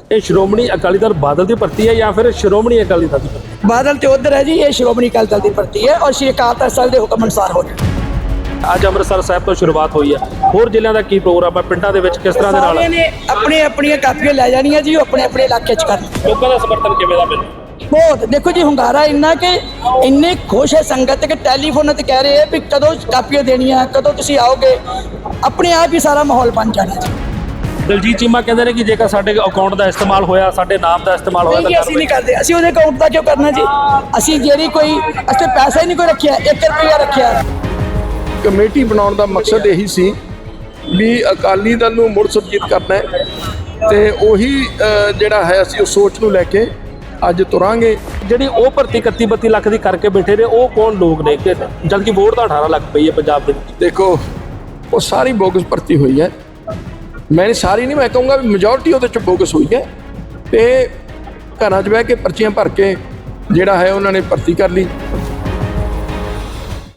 ਇਹ ਸ਼੍ਰੋਮਣੀ ਅਕਾਲੀ ਦਲ ਬਾਦਲ ਦੀ ਭਰਤੀ ਹੈ ਜਾਂ ਫਿਰ ਸ਼੍ਰੋਮਣੀ ਅਕਾਲੀ ਦਲ ਦੀ ਭਰਤੀ? बादल तो उधर है जी, ये श्रोमणी अकाली दल की भर्ती है और श्री अकाल तख्त ਸਾਹਿਬ ਦੇ ਹੁਕਮ ਅਨੁਸਾਰ ਹੋ ਰਿਹਾ। ਅੱਜ ਅੰਮ੍ਰਿਤਸਰ ਸਾਹਿਬ ਤੋਂ ਸ਼ੁਰੂਆਤ ਹੋਈ ਹੈ, ਹੋਰ ਜ਼ਿਲ੍ਹਿਆਂ ਦਾ ਕੀ ਪ੍ਰੋਗਰਾਮ ਹੈ? ਪਿੰਡਾਂ ਦੇ ਵਿੱਚ ਕਿਸ ਤਰ੍ਹਾਂ ਦੇ ਨਾਲ ਸਾਰਿਆਂ ਨੇ ਆਪਣੀ ਆਪਣੀਆਂ ਕਾਪੀਆਂ ਲੈ ਜਾਣੀਆਂ ਜੀ, ਉਹ ਆਪਣੇ ਆਪਣੇ ਇਲਾਕੇ 'ਚ ਕਰਨ। ਲੋਕਾਂ ਦਾ ਸਮਰਥਨ ਕਿਵੇਂ ਦਾ ਮਿਲਿਆ? ਬਹੁਤ ਦੇਖੋ ਜੀ, ਹੁੰਗਾਰਾ ਇੰਨਾ ਕਿ ਇੰਨੇ ਖੁਸ਼ ਹੈ ਸੰਗਤ ਕਿ ਟੈਲੀਫੋਨ ਤੇ ਕਹਿ ਰਹੇ ਆ ਵੀ ਕਦੋਂ ਕਾਪੀਆਂ ਦੇਣੀਆਂ, ਕਦੋਂ ਤੁਸੀਂ ਆਓਗੇ। ਆਪਣੇ ਆਪ ਹੀ ਸਾਰਾ ਮਾਹੌਲ ਬਣ ਜਾਣਾ ਜੀ। ਦਲਜੀਤ ਚੀਮਾ ਕਹਿੰਦੇ ਨੇ ਕਿ ਜੇਕਰ ਸਾਡੇ ਅਕਾਊਂਟ ਦਾ ਇਸਤੇਮਾਲ ਹੋਇਆ, ਸਾਡੇ ਨਾਮ ਦਾ ਇਸਤੇਮਾਲ ਹੋਇਆ ਨਹੀਂ, ਅਸੀਂ ਨਹੀਂ ਕਰਦੇ। ਅਸੀਂ ਉਹਦੇ ਅਕਾਊਂਟ ਦਾ ਕਿਉਂ ਕਰਨਾ ਜੀ? ਅਸੀਂ ਜਿਹੜੀ ਕੋਈ ਅਸੀਂ ਪੈਸਾ ਹੀ ਨਹੀਂ ਕੋਈ ਰੱਖਿਆ, 1 ਰੁਪਿਆ ਰੱਖਿਆ। ਕਮੇਟੀ ਬਣਾਉਣ ਦਾ ਮਕਸਦ ਇਹੀ ਸੀ ਵੀ ਅਕਾਲੀ ਦਲ ਨੂੰ ਮੁੜ ਸੁਰਜੀਤ ਕਰਨਾ ਹੈ ਤੇ ਉਹੀ ਜਿਹੜਾ ਹੈ ਅਸੀਂ ਉਸ ਸੋਚ ਨੂੰ ਲੈ ਕੇ ਅੱਜ ਤੁਰਾਂਗੇ। ਜਿਹੜੀ ਉਹ ਭਰਤੀ 31-32 ਲੱਖ ਦੀ ਕਰਕੇ ਬੈਠੇ ਨੇ, ਉਹ ਕੌਣ ਲੋਕ ਨੇ ਕਿ ਜਦਕਿ ਵੋਟ ਤਾਂ 18 ਲੱਖ ਪਈ ਹੈ ਪੰਜਾਬ ਦੇ ਵਿੱਚ? ਦੇਖੋ, ਉਹ ਸਾਰੀ ਬੋਗਸ ਭਰਤੀ ਹੋਈ ਹੈ। ਮੈਂ ਸਾਰੀ ਨਹੀਂ, ਮੈਂ ਕਹੂੰਗਾ ਵੀ ਮੈਜੋਰਟੀ ਉਹਦੇ ਚ ਬੋਗਸ ਹੋਈ ਹੈ ਤੇ ਘਰਾਂ 'ਚ ਬਹਿ ਕੇ ਪਰਚੀਆਂ ਭਰ ਕੇ ਜਿਹੜਾ ਹੈ ਉਹਨਾਂ ਨੇ ਭਰਤੀ ਕਰ ਲਈ।